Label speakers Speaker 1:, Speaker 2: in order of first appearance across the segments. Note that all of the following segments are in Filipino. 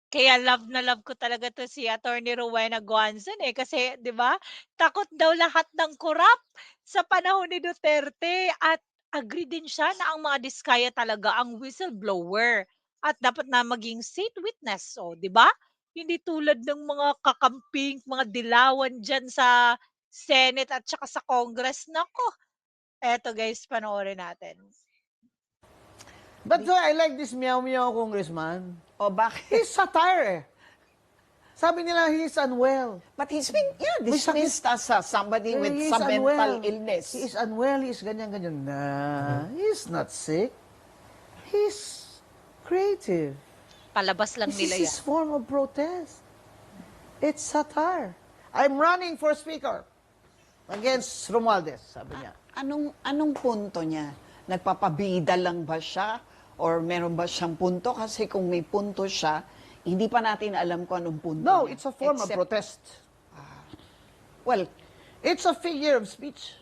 Speaker 1: Kaya love na love ko talaga 'to si Attorney Rowena Guanzon, eh, kasi 'di ba, takot daw lahat ng korap sa panahon ni Duterte at agree din siya na ang mga diskaya talaga ang whistleblower at dapat na maging state witness, oh, 'di ba? Hindi tulad ng mga kakamping, mga dilawan diyan sa Senate at saka sa Congress. Naku, eto guys, panoorin natin.
Speaker 2: That's why I like this meow meow congressman.
Speaker 3: O bakit?
Speaker 2: He's satire eh. Sabi nila he's unwell.
Speaker 3: But he's been,
Speaker 2: May sakit.
Speaker 3: dismissed as somebody with
Speaker 2: He is
Speaker 3: some mental
Speaker 2: unwell.
Speaker 3: illness.
Speaker 2: He is unwell, he is ganyan-ganyan. Nah, he's not sick. He's creative.
Speaker 1: Palabas lang
Speaker 2: This
Speaker 1: nila
Speaker 2: is his
Speaker 1: yan.
Speaker 2: form of protest. It's satire. I'm running for speaker against Romualdez, sabi niya.
Speaker 3: Anong punto niya? Nagpapabida lang ba siya? Or meron ba siyang punto? Kasi kung may punto siya, hindi pa natin alam kung anong punto
Speaker 2: No,
Speaker 3: niya.
Speaker 2: it's a form of
Speaker 3: Except-
Speaker 2: protest.
Speaker 3: Well,
Speaker 2: It's a figure of speech.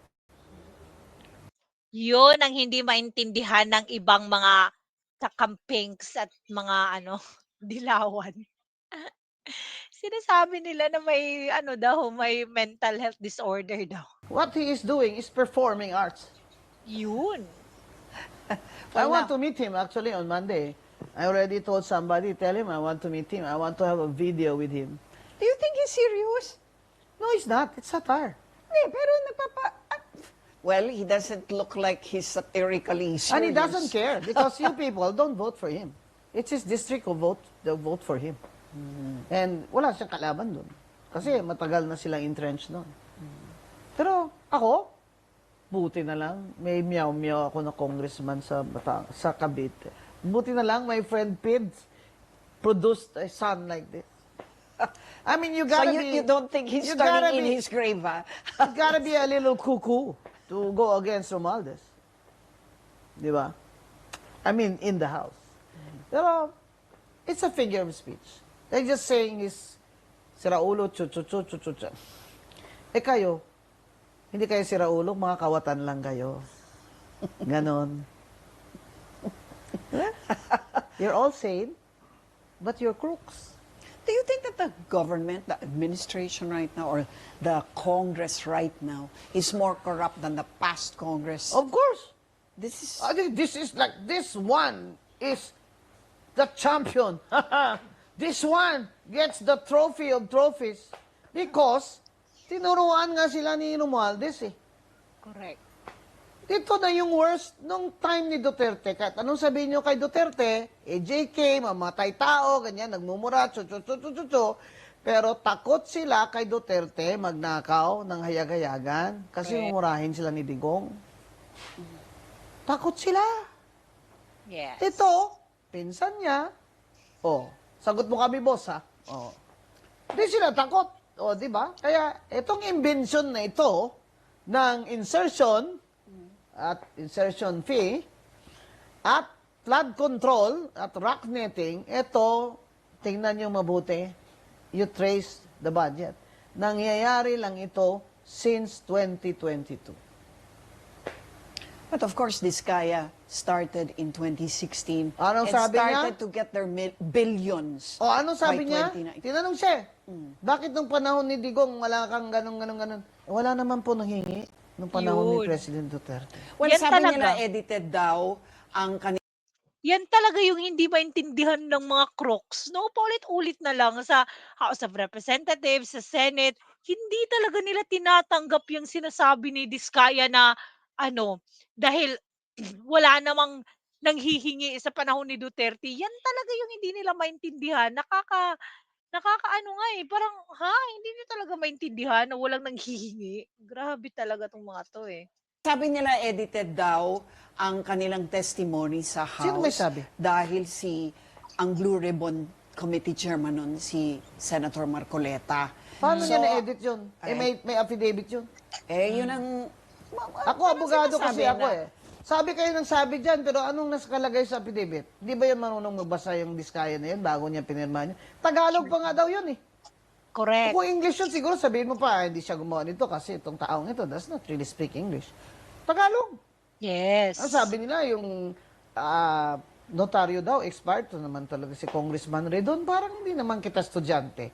Speaker 1: Yun ang hindi maintindihan ng ibang mga kakampings at mga ano, dilawan. Sinasabi nila na may ano daw, may mental health disorder daw.
Speaker 2: What he is doing is performing arts.
Speaker 1: Yun.
Speaker 2: I want
Speaker 3: now-
Speaker 2: to meet him actually on Monday. I already told somebody, tell him I want to meet him. I want to have a video with him.
Speaker 3: do you think he's serious?
Speaker 2: No, it's not. It's satire.
Speaker 3: Hindi, pero well, he doesn't look like he's satirically serious.
Speaker 2: And he doesn't care because you people don't vote for him. It's his district who vote for him. And wala siyang kalaban doon. Kasi matagal na silang entrenched doon. Pero ako, buti na lang, may meow-meow ako na congressman sa Cavite. Buti na lang, my friend Pids produced a son like this. I mean, you
Speaker 3: So
Speaker 2: gotta
Speaker 3: you don't think he's
Speaker 2: you gotta
Speaker 3: turning in
Speaker 2: be-
Speaker 3: his grave, ha?
Speaker 2: You gotta be a little cuckoo to go against Romualdez. Di ba? I mean, in the House. Pero, it's a figure of speech. They're just saying is, siraulo, chu-chu-chu-chu-chu. Eh kayo, hindi kayo siraulo, mga kawatan lang kayo. Ganon. You're all sane, but you're crooks.
Speaker 3: Do you think that the government, the administration right now, or the Congress right now is more corrupt than the past Congress?
Speaker 2: Of course.
Speaker 3: This is...
Speaker 2: This is like, this one is the champion. This one gets the trophy of trophies because tinuruan nga sila ni Romualdez eh.
Speaker 1: Correct.
Speaker 2: Ito na yung worst nung time ni Duterte. Kahit anong sabihin nyo kay Duterte, JK, mamatay tao, ganyan, nagmumura, chu-chu-chu-chu-chu. Pero takot sila kay Duterte magnakaw ng hayag-hayagan kasi
Speaker 1: Correct.
Speaker 2: mumurahin sila ni Digong. Takot sila.
Speaker 1: Yes.
Speaker 2: Ito, pinsan niya, oh, sagot mo kami, boss, ha? Oh. Di sila takot. O, di ba? Kaya, itong invention na ito, ng insertion, at insertion fee, at flood control, at rock netting, ito, tingnan nyo mabuti, you trace the budget. Nangyayari lang ito since 2022.
Speaker 3: But of course, this kaya started in 2016
Speaker 2: Anong
Speaker 3: and
Speaker 2: sabi niya?
Speaker 3: started to get their billions.
Speaker 2: O, ano sabi
Speaker 3: by
Speaker 2: niya?
Speaker 3: 2019.
Speaker 2: Tinanong siya, bakit nung panahon ni Digong wala kang ganun? Wala naman po nanghingi nung panahon ni
Speaker 1: Yun.
Speaker 2: President Duterte.
Speaker 3: Well,
Speaker 1: Yan
Speaker 3: sabi
Speaker 1: talaga.
Speaker 3: nila edited daw ang
Speaker 1: Yan talaga yung hindi maintindihan ng mga crooks, 'no? Paulit-ulit na lang sa House of Representatives, sa Senate, hindi talaga nila tinatanggap yung sinasabi ni Diskaya na ano, dahil wala namang nanghihingi sa panahon ni Duterte. Yan talaga yung hindi nila maintindihan. Nakakaano nga, eh, parang, hindi niyo talaga maintindihan na walang nanghihingi? Grabe talaga 'tong mga 'to, eh.
Speaker 3: Sabi nila edited daw ang kanilang testimony sa House.
Speaker 2: Sino may sabi?
Speaker 3: Dahil ang Blue Ribbon Committee Chairman nun, si Senator Marcoleta.
Speaker 2: Paano
Speaker 3: So,
Speaker 2: niya na-edit yun?
Speaker 3: ay.
Speaker 2: May affidavit yun.
Speaker 3: Yun ang...
Speaker 2: Ako, abogado kasi ako eh. Sabi kayo ng sabi dyan, pero anong nakalagay sa affidavit? Di ba yan marunong magbasa yung diskaya na yan bago niya pinirma niya? Tagalog pa nga daw yun eh.
Speaker 1: Correct.
Speaker 2: Kung English yun, siguro sabihin mo pa, hindi siya gumawa nito kasi itong taong ito does not really speak English. Tagalog.
Speaker 1: Yes.
Speaker 2: Ang sabi nila, yung notaryo daw, expired. Ito naman talaga si Congressman Redon. Parang hindi naman kita estudyante.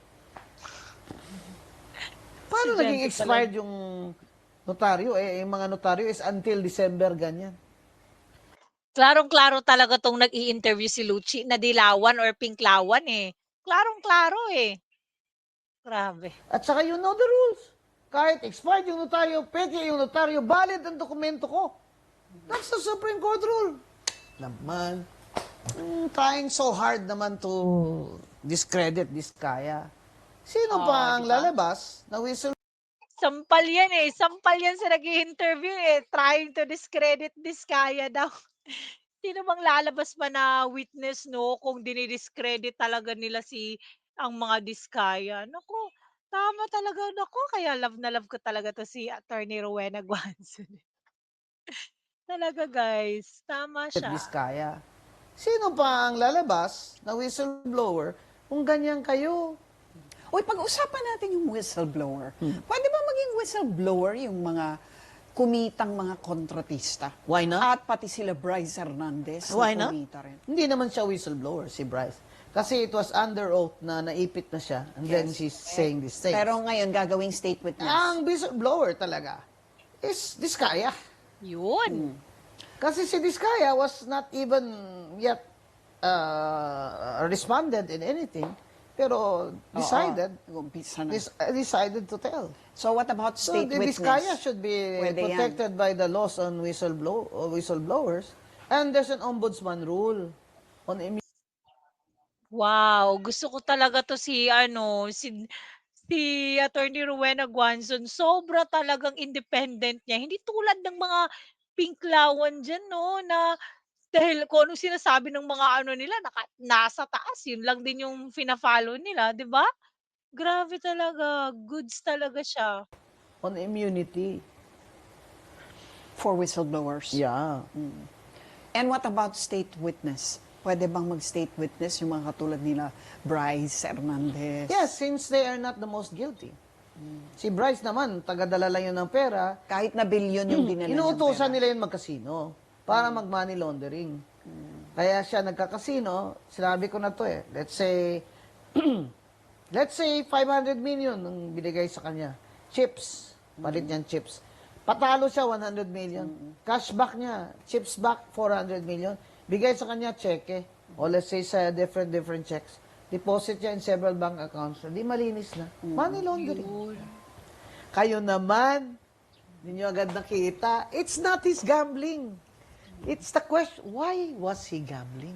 Speaker 2: Paano naging
Speaker 1: Estudyante
Speaker 2: expired
Speaker 1: talaga.
Speaker 2: yung notaryo? Yung mga notaryo is until December, ganyan.
Speaker 1: Klarong-klaro talaga 'tong nag-i-interview si Lucci na dilawan or pinklawan, eh. Klarong-klaro, eh. Grabe.
Speaker 2: At saka you know the rules. Kahit expired yung notaryo, peke yung notaryo, valid ang dokumento ko. That's the Supreme Court rule. Naman, trying so hard naman to discredit this kaya. Sino
Speaker 1: Oh,
Speaker 2: pa
Speaker 1: 'di
Speaker 2: ang
Speaker 1: ba?
Speaker 2: lalabas na whistle?
Speaker 1: Sampal yan, eh, sampal yan sa nag-i-interview, eh, trying to discredit Diskaya daw. Sino bang lalabas pa na witness 'no, kung dini-discredit talaga nila ang mga Diskaya. Naku, tama talaga, naku, kaya love na love ko talaga 'to si Attorney Rowena Guanzon. Talaga guys, tama
Speaker 2: This
Speaker 1: siya.
Speaker 2: kaya. Sino pa ang lalabas na whistleblower kung ganyan kayo?
Speaker 3: Uy, pag-usapan natin yung whistleblower.
Speaker 2: Hmm.
Speaker 3: Pwede ba maging whistleblower yung mga kumitang mga kontratista?
Speaker 2: Why not?
Speaker 3: At pati sila Bryce Hernandez
Speaker 2: Why
Speaker 3: na
Speaker 2: not?
Speaker 3: kumita rin.
Speaker 2: Hindi naman siya whistleblower, si Bryce. Kasi it was under oath na naipit na siya and then
Speaker 3: Yes.
Speaker 2: she's saying these things.
Speaker 3: Pero ngayon, gagawing state witness.
Speaker 2: Ang whistleblower talaga is Diskaya.
Speaker 1: Yun.
Speaker 2: Kasi si Diskaya was not even yet responded in anything, pero decided
Speaker 3: Oo, umpisa na.
Speaker 2: decided to tell.
Speaker 3: So what about
Speaker 2: So
Speaker 3: state
Speaker 2: the
Speaker 3: witness?
Speaker 2: Diskaya should be
Speaker 3: Pwede yan.
Speaker 2: protected by the laws on whistleblowers, and there's an ombudsman rule on
Speaker 1: Wow, gusto ko talaga 'to si Attorney Rowena Guanzon. Sobra talagang independent niya, hindi tulad ng mga pinklawan diyan 'no, na dahil kung anong sinasabi ng mga ano nila nasa taas, yun lang din yung fina-follow nila, 'di ba? Grabe talaga, goods talaga siya.
Speaker 2: on immunity.
Speaker 3: For whistleblowers.
Speaker 2: Yeah.
Speaker 3: And what about state witness? Pwede bang mag-state witness yung mga katulad nila Bryce Hernandez?
Speaker 2: Yes, since they are not the most guilty. Si Bryce naman, tagadala lang yun ng pera.
Speaker 3: Kahit na bilyon yung dinala niyang
Speaker 2: Inuutosan
Speaker 3: pera.
Speaker 2: nila yun magkasino para mag-money laundering. Kaya siya nagkakasino, sinabi ko na to eh. Let's say 500 million ang binigay sa kanya. Chips, palit niyang chips. Patalo siya 100 million. Cashback niya, chips back 400 million. Bigay sa kanya cheque. O let's say sa different checks. Deposit niya in several bank accounts. Hindi malinis na. Money laundering. Kayo naman, hindi nyo agad nakita, it's not his gambling. It's the question, why was he gambling?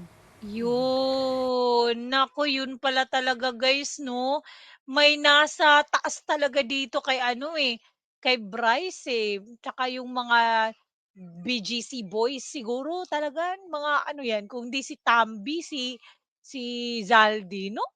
Speaker 1: Yun, naku yun pala talaga guys 'no. May nasa taas talaga dito kay kay Bryce, tsaka yung mga BGC boys siguro talaga mga ano yan, kung di si Tamby, si Zaldi 'no?